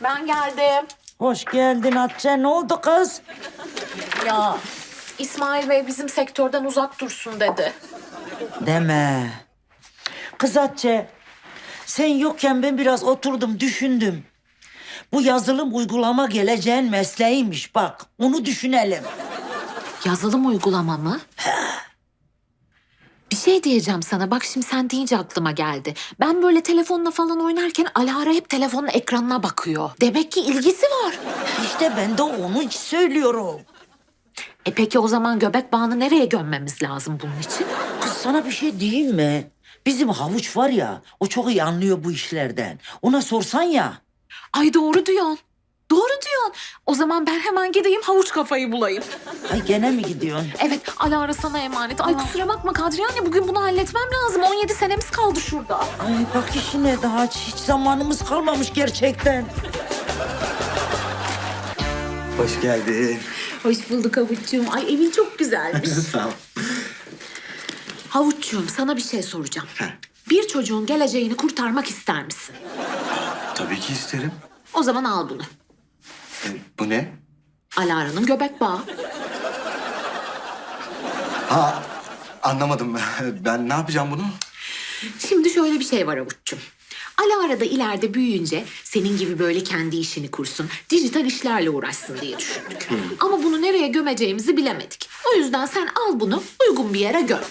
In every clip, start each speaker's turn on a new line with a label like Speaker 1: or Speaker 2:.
Speaker 1: Ben geldim.
Speaker 2: Hoş geldin Hatice. Ne oldu kız?
Speaker 1: Ya İsmail Bey bizim sektörden uzak dursun dedi.
Speaker 2: Deme. Kız Hatice, sen yokken ben biraz oturdum, düşündüm. Bu yazılım uygulama geleceğin mesleğiymiş bak. Onu düşünelim.
Speaker 1: Yazılım uygulama mı? Bir şey diyeceğim sana. Bak şimdi sen deyince aklıma geldi. Ben böyle telefonla falan oynarken Alara hep telefonun ekranına bakıyor. Demek ki ilgisi var.
Speaker 2: İşte ben de onu söylüyorum.
Speaker 1: Peki o zaman göbek bağını nereye gömmemiz lazım bunun için?
Speaker 2: Kız sana bir şey diyeyim mi? Bizim havuç var ya, o çok iyi anlıyor bu işlerden. Ona sorsan ya.
Speaker 1: Ay doğru diyorsun. Doğru diyorsun. O zaman ben hemen gideyim havuç kafayı bulayım.
Speaker 2: Ay gene mi gidiyorsun?
Speaker 1: Evet, Alara sana emanet. Ay kusura bakma Kadriye anne, bugün bunu halletmem lazım. 17 senemiz kaldı şurada.
Speaker 2: Ay bak işine daha hiç zamanımız kalmamış gerçekten.
Speaker 3: Hoş geldin.
Speaker 1: Hoş bulduk Havuççuğum. Ay evin çok güzelmiş.
Speaker 3: Sağ ol.
Speaker 1: Havuççuğum sana bir şey soracağım. Bir çocuğun geleceğini kurtarmak ister misin?
Speaker 3: Tabii ki isterim.
Speaker 1: O zaman al bunu.
Speaker 3: Bu ne?
Speaker 1: Alara'nın göbek bağı.
Speaker 3: Ha, anlamadım. Ben ne yapacağım bunu?
Speaker 1: Şimdi şöyle bir şey var Havuççuğum. Alara da ileride büyüyünce senin gibi böyle kendi işini kursun, dijital işlerle uğraşsın diye düşündük. Ama bunu nereye gömeceğimizi bilemedik. O yüzden sen al bunu, uygun bir yere göm.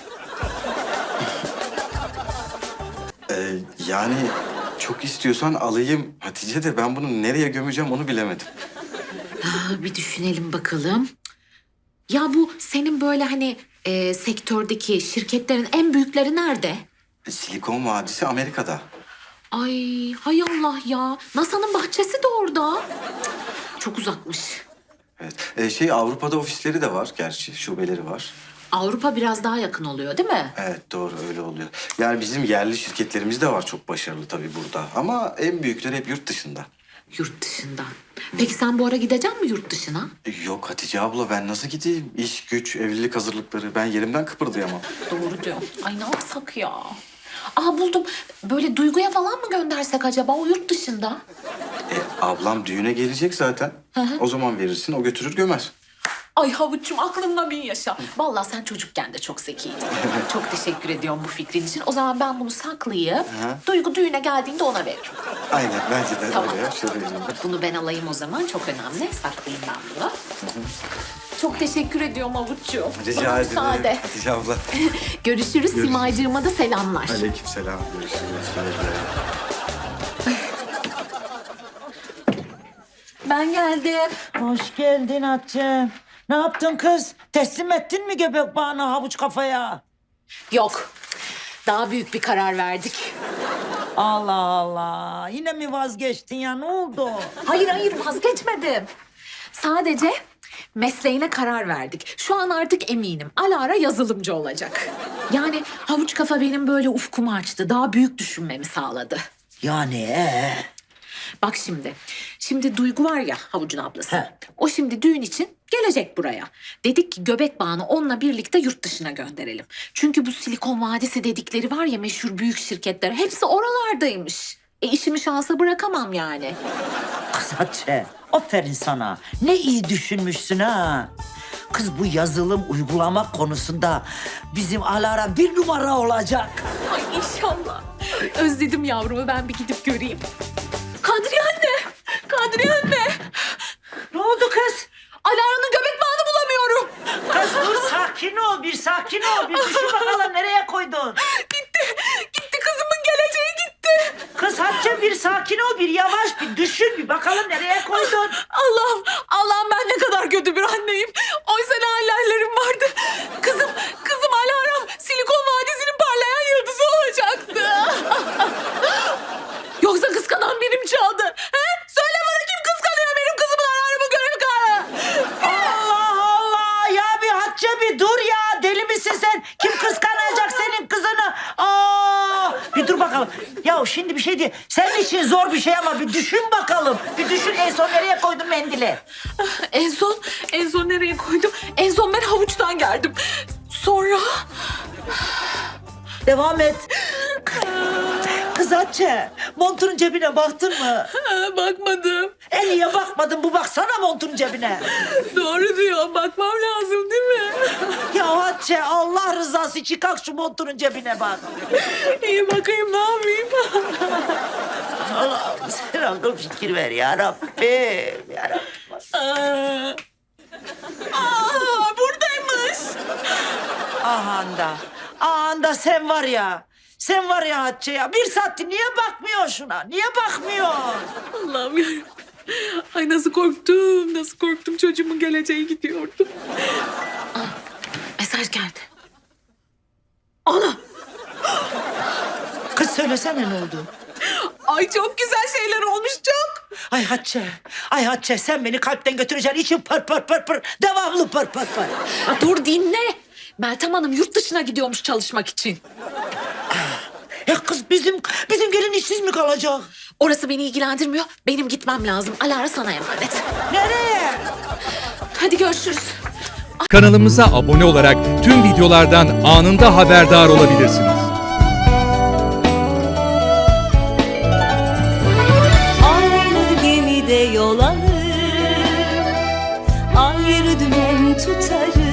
Speaker 3: Yani çok istiyorsan alayım Hatice de ben bunu nereye gömeceğim onu bilemedim.
Speaker 1: Bir düşünelim bakalım. Ya bu senin böyle hani sektördeki şirketlerin en büyükleri nerede?
Speaker 3: Silikon Vadisi Amerika'da.
Speaker 1: Ay hay Allah ya. NASA'nın bahçesi de orada. Cık, çok uzakmış.
Speaker 3: Evet. Avrupa'da ofisleri de var gerçi, şubeleri var.
Speaker 1: Avrupa biraz daha yakın oluyor değil mi?
Speaker 3: Evet doğru öyle oluyor. Yani bizim yerli şirketlerimiz de var çok başarılı tabii burada. Ama en büyükleri hep yurt dışında.
Speaker 1: Yurt dışından. Peki sen bu ara gidecek misin yurt dışına?
Speaker 3: Yok Hatice abla ben nasıl gideyim? İş, güç, evlilik hazırlıkları. Ben yerimden kıpırdayamam.
Speaker 1: Doğru diyor. Ay ne yapsak ya? Aa buldum. Böyle Duygu'ya falan mı göndersek acaba o yurt dışında?
Speaker 3: Ablam düğüne gelecek zaten. O zaman verirsin, o götürür gömer.
Speaker 1: Ay Havuç'cum aklımda bin yaşa. Vallahi sen çocukken de çok zekiydin. Çok teşekkür ediyorum bu fikrin için. O zaman ben bunu saklayıp Duygu düğüne geldiğinde ona veririm.
Speaker 3: Aynen, bence de
Speaker 1: Tamam.
Speaker 3: öyle ya. Şöyle vereyim ben.
Speaker 1: Bunu ben alayım o zaman. Çok önemli. Saklayayım ben bunu. Çok teşekkür ediyorum Havuç'cuğum.
Speaker 3: Rica
Speaker 1: Bana
Speaker 3: ederim.
Speaker 1: müsaade.
Speaker 3: Hatice abla.
Speaker 1: Görüşürüz. Simaycığıma da selamlar.
Speaker 3: Aleykümselam. Görüşürüz.
Speaker 1: Ben geldim.
Speaker 2: Hoş geldin Hatice. Ne yaptın kız? Teslim ettin mi göbek bağını havuç kafaya?
Speaker 1: Yok. Daha büyük bir karar verdik.
Speaker 2: Allah Allah. Yine mi vazgeçtin ya? Ne oldu?
Speaker 1: Hayır vazgeçmedim. Sadece mesleğine karar verdik. Şu an artık eminim. Alara yazılımcı olacak. Yani havuç kafa benim böyle ufkumu açtı. Daha büyük düşünmemi sağladı.
Speaker 2: Yani
Speaker 1: Bak şimdi. Şimdi Duygu var ya havucun ablası.
Speaker 2: He.
Speaker 1: O şimdi düğün için gelecek buraya. Dedik ki göbek bağını onunla birlikte yurt dışına gönderelim. Çünkü bu Silikon Vadisi dedikleri var ya meşhur büyük şirketler. Hepsi oralardaymış. İşimi şansa bırakamam yani.
Speaker 2: kız Hatice. Aferin sana. Ne iyi düşünmüşsün ha. Kız bu yazılım uygulama konusunda bizim Alara bir numara olacak.
Speaker 1: Ay inşallah. Özledim yavrumu, ben bir gidip göreyim. Kadriye anne! Kadriye anne!
Speaker 2: Ne oldu kız?
Speaker 1: Alara'nın göbek bağını bulamıyorum.
Speaker 2: Kız dur sakin ol bir sakin ol. Bir düşün bakalım nereye koydun?
Speaker 1: Gitti kızımın geleceği gitti.
Speaker 2: Kız Hatice bir sakin ol bir yavaş bir düşün bir bakalım nereye koydun?
Speaker 1: Allah'ım ben ne kadar kötü bir anneyim. Oysa ne hallerim vardı. Kızım Alara'm Silikon Vadisi'nin parlayan yıldızı olacaktı. Yoksa kıskanan birim çaldı. He? Söyle bana kim kıskanıyor benim kızımın Alara'mın görevi kararı?
Speaker 2: Allah Allah ya bir Hatice bir dur ya deli misin sen? Kim kıskanacak senin kızını? Bir dur bakalım. Ya şimdi bir şey diye senin için zor bir şey ama bir düşün bakalım. Bir düşün en son nereye koydun mendili?
Speaker 1: En son nereye koydum? En son ben havuçtan geldim. Sonra...
Speaker 2: Devam et. Kız Hatice, montunun cebine baktın mı?
Speaker 1: Bakmadım.
Speaker 2: Niye bakmadın? Bu baksana montunun cebine.
Speaker 1: Doğru diyor. Bakmam lazım değil mi?
Speaker 2: Ya Hatice, Allah rızası için kalk şu montunun cebine bak.
Speaker 1: İyi bakayım, ne yapayım?
Speaker 2: Allah'ım sen akıl fikir ver ya Rabbim. Ya Rabbim.
Speaker 1: Buradaymış.
Speaker 2: Ahanda sen var ya. Sen var ya Hatice ya. Bir saattir niye bakmıyorsun şuna? Niye bakmıyorsun?
Speaker 1: Allah'ım yarabbim. Ay nasıl korktum, nasıl korktum. Çocuğumun geleceği gidiyordu. Mesaj geldi. Ana!
Speaker 2: Kız söylesene ne oldu?
Speaker 1: Ay çok güzel şeyler olmuş, çok.
Speaker 2: Ay Hatice. Ay Hatice sen beni kalpten götüreceksin. İçim pır pır pır pır. Devamlı pır pır pır.
Speaker 1: Dur dinle. Meltem Hanım yurt dışına gidiyormuş çalışmak için.
Speaker 2: Ya kız bizim gelin işsiz mi kalacak?
Speaker 1: Orası beni ilgilendirmiyor. Benim gitmem lazım. Alara sana emanet.
Speaker 2: Nereye?
Speaker 1: Hadi görüşürüz.
Speaker 4: Kanalımıza abone olarak tüm videolardan anında haberdar olabilirsiniz.
Speaker 5: Aynı gemide yol alır, ayrı dümen tutarız.